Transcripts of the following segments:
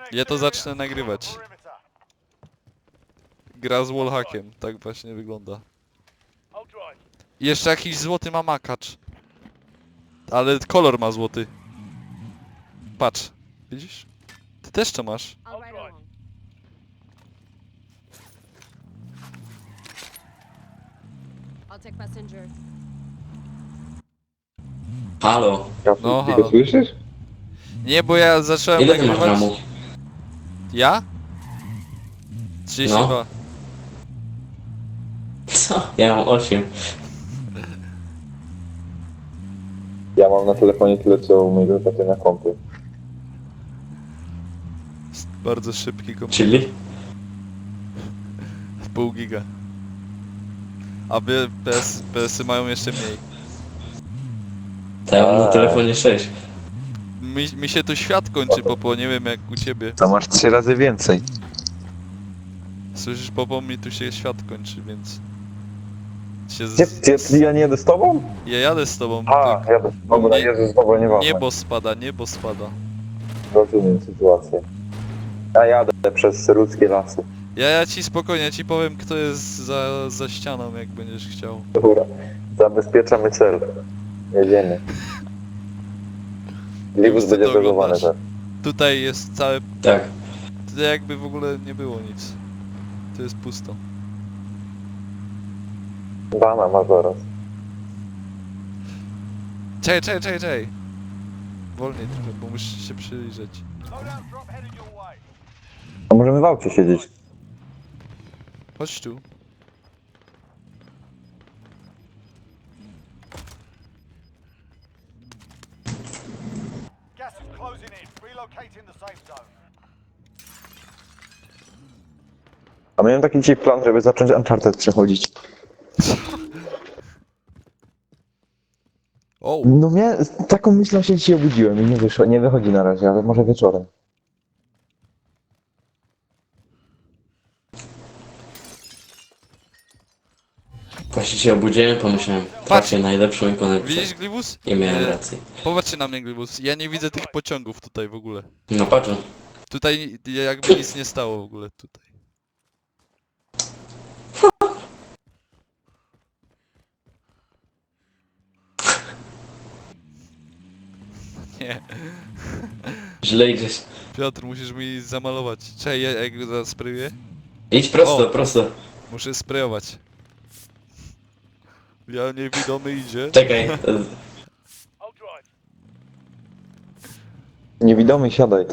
Ja to zacznę nagrywać. Gra z wallhackiem, tak właśnie wygląda. I jeszcze jakiś złoty ma makacz. Ale kolor ma złoty. Patrz, widzisz? Ty też to masz. I'll take passenger. Halo, No, Ty halo. go słyszysz? Nie, bo ja zacząłem ile ty masz nagrywać... ramu? Ja? 32. No. Co? Ja mam 8. Ja mam na telefonie tyle, co u mojego taty na kompie. Bardzo szybki komputer. Czyli? Pół giga. A wy PS-y mają jeszcze mniej. To ja mam na telefonie 6. Mi się tu świat kończy, Popo, nie wiem jak u ciebie. To masz 3 razy więcej. Słyszysz, Popo, mi tu się świat kończy, więc... Się Ja nie jadę z tobą? Ja jadę z tobą. A, jadę. Dobra, Jezus, dobra, nieważne. Niebo spada, niebo spada. Rozumiem sytuację. Ja jadę przez ludzkie lasy. Ja ci spokojnie, ci powiem kto jest za ścianą, jak będziesz chciał. Dobra, zabezpieczamy cel. Jedziemy. Libus Ty będzie to zalogowany oglądasz. też. Tutaj jest całe... Tak. Tutaj jakby w ogóle nie było nic. Tu jest pusto. Bana ma zaraz. Czekaj. Wolniej trochę, bo musisz się przyjrzeć. A możemy w aucie siedzieć. Chodź tu. Gas is closing in. Relocating the safe zone. A miałem taki dzisiaj plan, żeby zacząć Uncharted przechodzić. O! No taką myślą się dzisiaj obudziłem i nie wyszło, nie wychodzi na razie, ale może wieczorem. Właśnie się obudziłem, pomyślałem, trafię najlepszą ikonę. Widzisz, Glibus? I miałem rację. Popatrzcie na mnie, Glibus. Ja nie widzę tych pociągów tutaj w ogóle. No patrz. Tutaj jakby nic nie stało w ogóle tutaj. Nie. Źle idziesz. Piotr, musisz mi zamalować. Czekaj, jak go zasprayuję? Idź prosto, O. prosto. Muszę sprayować. Ja niewidomy idzie. Czekaj. I'll drive. Niewidomy, siadaj.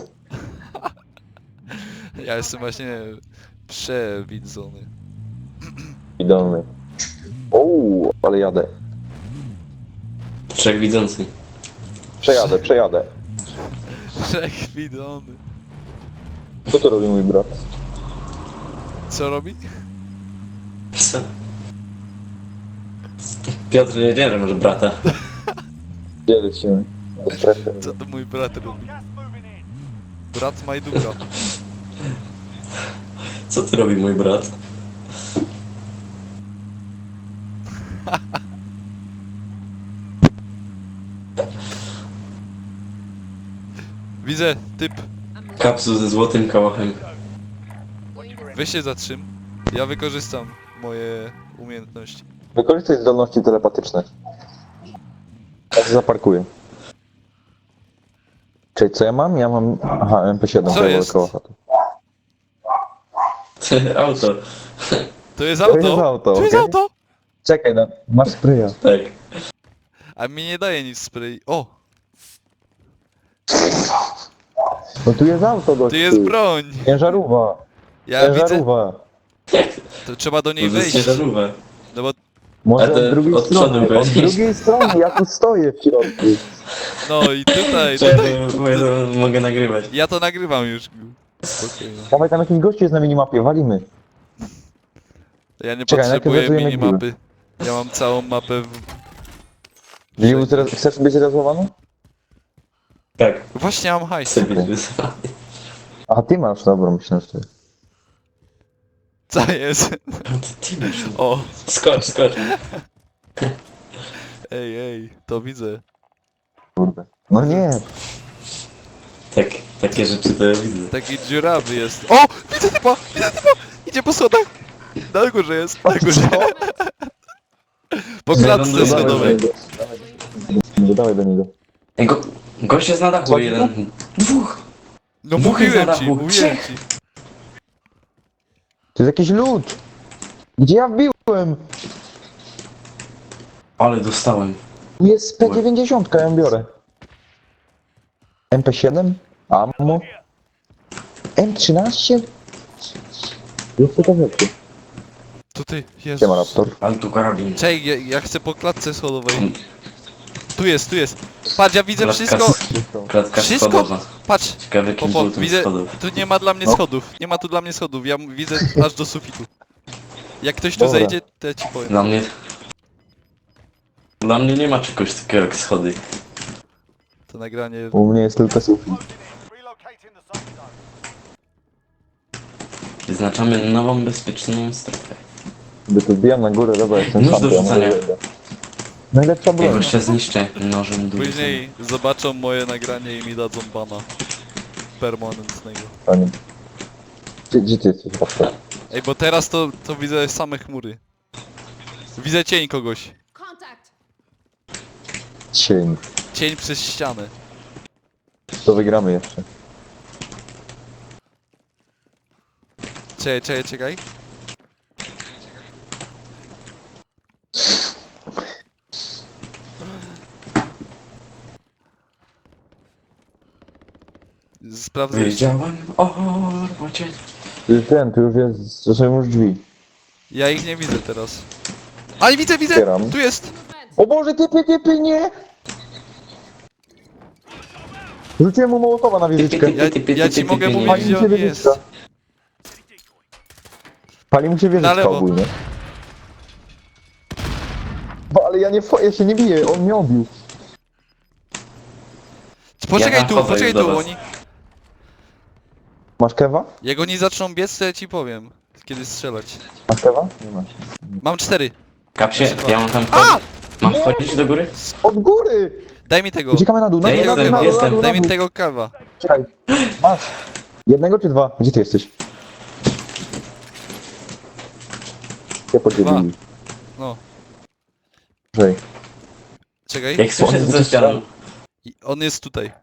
Ja jestem właśnie przewidzony. Widomy. Ouu, ale jadę. Trzech widzący. Przejadę. Przewidzony. Co to robi mój brat? Co robi? Co? Piotr nie może brata. Gdzie lecimy? Do strefy. Co to mój brat robi? Gas moving in. Brat Majdura. Co ty robi mój brat? Widzę, typ. Kapsu ze złotym kałachem. Weź się zatrzym. Ja wykorzystam moje umiejętności. Wykorzystaj zdolności telepatyczne. Ja się zaparkuję. Czyli co ja mam? Ja mam... Aha, MP7. Co jest? Koło chatu. Auto. To jest To auto! jest auto, To jest okej? auto! Czekaj, no, masz spraya. Tak. A mi nie daje nic spray. O! No tu jest auto, gościu. Tu jest broń! Ciężarówka. Ja widzę. Ciężarówka. To trzeba do niej To jest wejść. ciężarówka. No bo... Może Ale od drugiej od przodu strony. Od weź. drugiej strony, ja tu stoję w środku. No i tutaj. Czekaj, bo ja to mogę nagrywać. Ja to nagrywam już. Spokojnie. Dawaj, tam jakiś gościu jest na minimapie, walimy. Ja nie Czekaj, najpierw potrzebuję wezujemy minimapy. Ja mam całą mapę w... Liu, chcesz być rezerwowany? Tak. Właśnie mam hajs. Chcę być wysłany. Aha, ty masz, dobra, myślę, że ty. Co jest? Ty masz. O! Skocz. Ej, to widzę. Kurde. No nie. Tak, takie rzeczy to ja widzę. Taki dziurawy jest. O! Widzę typa! Widzę typa! Idzie po schodach! Na górze jest, na górze. Po klatce schodowej. Dawaj do niego. Ej, gość jest na dachu, Co? jeden. Dwóch! No Dwóch jest mówiłem na ci, dachu. mówiłem Trzech. ci. To jest jakiś lód! Gdzie ja wbiłem? Ale dostałem. Jest P90, ja ją biorę. MP7? Ammo? M13? Jest to rzeczy. Tutaj, Jezu. Siema Raptor. Ale tu karabin. Czekaj, ja chcę po klatce schodowej. Tu jest, tu jest. Patrz, ja widzę wszystko. Klatka Wszystko? schodowa. Patrz, Ciekawe jakim Popo, żółtym widzę, schodów. tu nie ma dla mnie No. schodów. Nie ma tu dla mnie schodów, ja widzę aż do sufitu. Jak ktoś tu Dobra. zejdzie, to ja ci powiem. Dla mnie... Dla mnie nie ma czegoś takiego jak schody. To nagranie... U mnie jest tylko sufit. Closing in. Relocating the safe zone. Wyznaczamy nową, bezpieczną strefę. Gdy tu wbijam na górę, dobra, jestem Nóż sam, do to ja rzucania. może wejdę. Najlepsza Ja broń. gościa zniszczę nożem dużym. Później zobaczą moje nagranie i mi dadzą bana. Permanentnego. Panie. Gdzie ty jesteś, Raptor? Ej, bo teraz to widzę same chmury. Widzę cień kogoś. Contact. Cień. Cień przez ścianę. To wygramy jeszcze. Czekaj. Sprawdzę jeszcze. Wiedziałem o robocie. Tu już jest, to są już drzwi. Ja ich nie widzę teraz. Ale widzę! Otwieram. Tu jest! Movement. O Boże, typy, nie! Rzuciłem mu Mołotowa na wieżyczkę. Ja ci mogę mówić, Pali gdzie mu się on jest. wieżyczka. Pali mu się Na wieżyczka lewo. ogólnie. Bo, ale ja się nie biję, on mnie obił. Poczekaj Ja tu, nachodzę poczekaj już do tu, was. oni... Masz kewa? Jak oni zaczną biec, to ja ci powiem. Kiedy strzelać. Masz kewa? Nie masz. Mam 4. Kapsie, ja mam tam A! wchodzić. Mam wchodzić do góry? Od góry! Daj mi tego. Uciekamy na dół, na Ja dół, na dół, jestem, na dół, jestem. na dół, Daj na mi dół. tego kawa. Czekaj. Masz. Jednego czy dwa? Gdzie ty jesteś? Się podzielili. No. Żej. Czekaj. Jak słyszę za ścianą. On jest tutaj.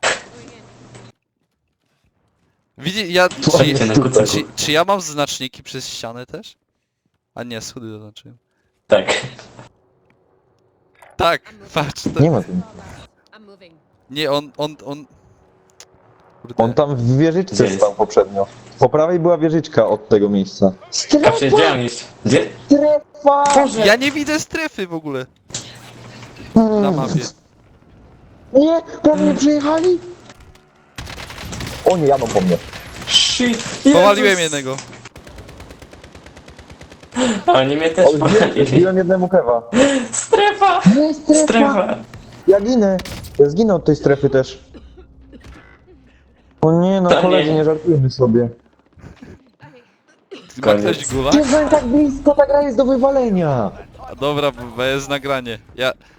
Widzi, ja... Słuchajcie na kucaku. Czy ja mam znaczniki przez ścianę też? A nie, schody zaznaczyłem. Tak. Tak, patrz. To... Nie ma tu. I'm moving. Nie, on... Kurde. On tam w Gdzie wieżyczce jest? stał poprzednio. Po prawej była wieżyczka od tego miejsca. Kapsie, gdzie mam iść? Gdzie? Strefa! Boże! Ja nie widzę strefy w ogóle na mapie. Nie, prawie przyjechali. O nie, jadą po mnie. Shit! Powaliłem jednego. A oni mnie też O, powalili. zbiłem jednemu kewa. Strefa! Nie, Strefa! Ja ginę. Ja zginę od tej strefy też. O nie, no To koledzy, nie. nie żartujmy sobie. Ma Koniec. ktoś gula? Jestem tak blisko, ta gra jest do wywalenia. Dobra, bo jest nagranie. Ja...